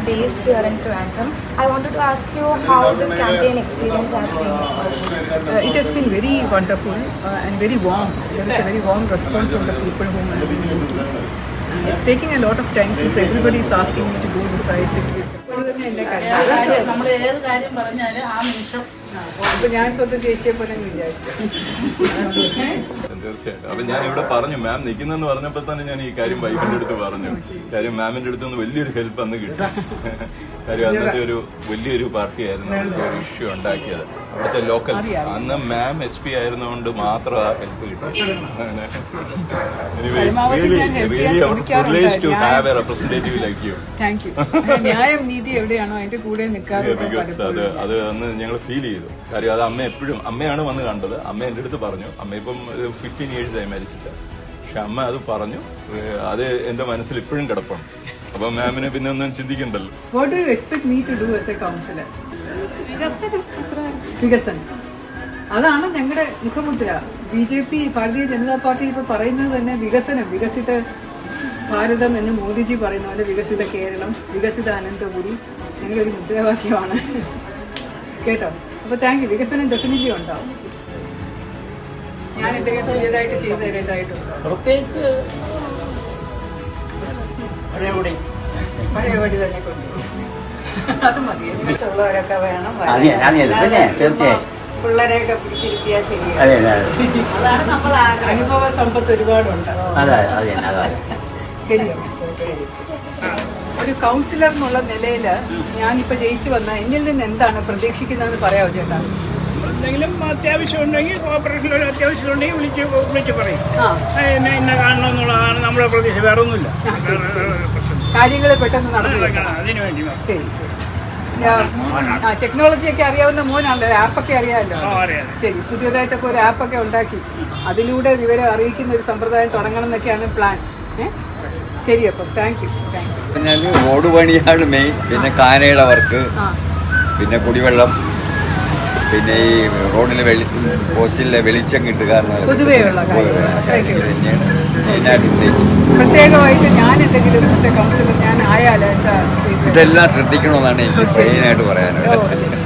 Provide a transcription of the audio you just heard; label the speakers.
Speaker 1: based here in Trivandrum. I wanted to ask you how the campaign experience has been.
Speaker 2: It has been very wonderful and very warm. There is a very warm response from the people whom I have been meeting. It's taking a lot of time since everybody is asking me to go inside, sit with them. അപ്പോൾ ഞാൻ സ്വന്തം ചേച്ചിയെ പോലെ വിചാരിച്ചു.
Speaker 3: തീർച്ചയായിട്ടും. അപ്പൊ ഞാൻ ഇവിടെ പറഞ്ഞു, മാം നിൽക്കുന്നെന്ന് പറഞ്ഞപ്പോൾ തന്നെ ഞാൻ ഈ കാര്യം വൈഫിന്റെ അടുത്ത് പറഞ്ഞു. കാര്യം മാമിന്റെ അടുത്ത് നിന്ന് വലിയൊരു ഹെൽപ്പ് അന്ന് കിട്ടി. കാര്യം അന്നത്തെ ഒരു വലിയൊരു പാർട്ടിയായിരുന്നു ഒരു ഇഷ്യൂ ഉണ്ടാക്കിയത്. അവിടുത്തെ ലോക്കൽ അന്ന് മാം SP ആയിരുന്നുകൊണ്ട് മാത്രം ആ ഹെൽപ്പ് കിട്ടി.
Speaker 2: ന്യായം നീതി എവിടെയാണോ അതിന്റെ കൂടെ നിൽക്കാതെ
Speaker 3: അത് അന്ന് ഞങ്ങൾ ഫീൽ ചെയ്തു. കാര്യം അത് അമ്മ എപ്പോഴും അമ്മയാണ് വന്ന് കണ്ടത്. അമ്മ എന്റെ അടുത്ത് പറഞ്ഞു. അമ്മ ഇപ്പം 15 years ആയി മരിച്ചിട്ട്. പക്ഷെ അമ്മ അത് പറഞ്ഞു. അത് എന്റെ മനസ്സിൽ ഇപ്പോഴും കിടപ്പാണ്. അപ്പൊ മാമിന് പിന്നെ ഒന്നും ചിന്തിക്കണ്ടല്ലോ.
Speaker 2: What do you expect me to do as a counselor? വികസനം. അതാണ് ഞങ്ങളുടെ മുഖമുദ്ര. BJP ഭാരതീയ ജനതാ പാർട്ടി ഇപ്പൊ പറയുന്നത് തന്നെ വികസനം, വികസിത ഭാരതം എന്ന് മോദിജി പറയുന്ന പോലെ വികസിത കേരളം, വികസിത അനന്തപുരി ഞങ്ങളുടെ ഒരു മുദ്രാവാക്യമാണ്. കേട്ടോ? അപ്പൊ താങ്ക് യു. വികസനം ഡെഫിനറ്റ്ലി ഉണ്ടാവും. ഞാൻ എന്തെങ്കിലും പുതിയതായിട്ട് ചെയ്തു തരേണ്ടതായിട്ടുണ്ടോ?
Speaker 4: പ്രത്യേകിച്ച്
Speaker 2: പഴയപടി തന്നെ കൊണ്ടുപോകും. അത് മതി.
Speaker 5: ഉള്ളവരൊക്കെ വേണം,
Speaker 4: തീർച്ചയായും
Speaker 5: പിള്ളേരെയൊക്കെ പിടിച്ചിരുത്തിയാൽ ശരിയാണ്. അതാണ് നമ്മൾ
Speaker 2: അനുഭവ സമ്പത്ത് ഒരുപാടുണ്ട്. ശരിയാണ്. ഒരു കൗൺസിലർ എന്നുള്ള നിലയിൽ ഞാനിപ്പോ ജയിച്ചു വന്ന എന്നിൽ നിന്ന് എന്താണ് പ്രതീക്ഷിക്കുന്നതെന്ന് പറയാമോ ചേട്ടാ?
Speaker 6: എന്തെങ്കിലും അത്യാവശ്യം ഉണ്ടെങ്കിൽ കോർപ്പറേഷനിൽ ഒരു അത്യാവശ്യം ഉണ്ടെങ്കിൽ വിളിച്ച് പറയും. ഇന്ന കാണണം എന്നുള്ളതാണ് നമ്മുടെ പ്രതീക്ഷ, വേറെ ഒന്നുമില്ല.
Speaker 2: കാര്യങ്ങൾ പെട്ടെന്ന് നടന്നു.
Speaker 6: അതിനു വേണ്ടി
Speaker 2: ശരി ശരി. ടെക്നോളജി ഒക്കെ അറിയാവുന്ന മോനാണല്ലോ, ആപ്പൊക്കെ അറിയാമല്ലോ. ശരി, പുതിയതായിട്ടൊക്കെ ഒരു ആപ്പൊക്കെ ഉണ്ടാക്കി അതിലൂടെ വിവരം അറിയിക്കുന്ന ഒരു സമ്പ്രദായം തുടങ്ങണം എന്നൊക്കെയാണ് പ്ലാൻ. ശരി, അപ്പം താങ്ക് യു.
Speaker 7: റോഡ് പണിയാണ് മെയിൻ. പിന്നെ കാനയുടെ വർക്ക്, പിന്നെ കുടിവെള്ളം, പിന്നെ ഈ റോഡിലെ പോസ്റ്റിലെ വെളിച്ചം കിട്ടുക,
Speaker 2: പൊതുവെയുള്ള പ്രത്യേകമായിട്ട് ഞാൻ എന്തെങ്കിലും കൗൺസിലർ ഞാൻ ആയാലും എന്താ
Speaker 7: ഇതെല്ലാം ശ്രദ്ധിക്കണമെന്നാണ് എനിക്ക് മെയിനായിട്ട് പറയാനുള്ളത്.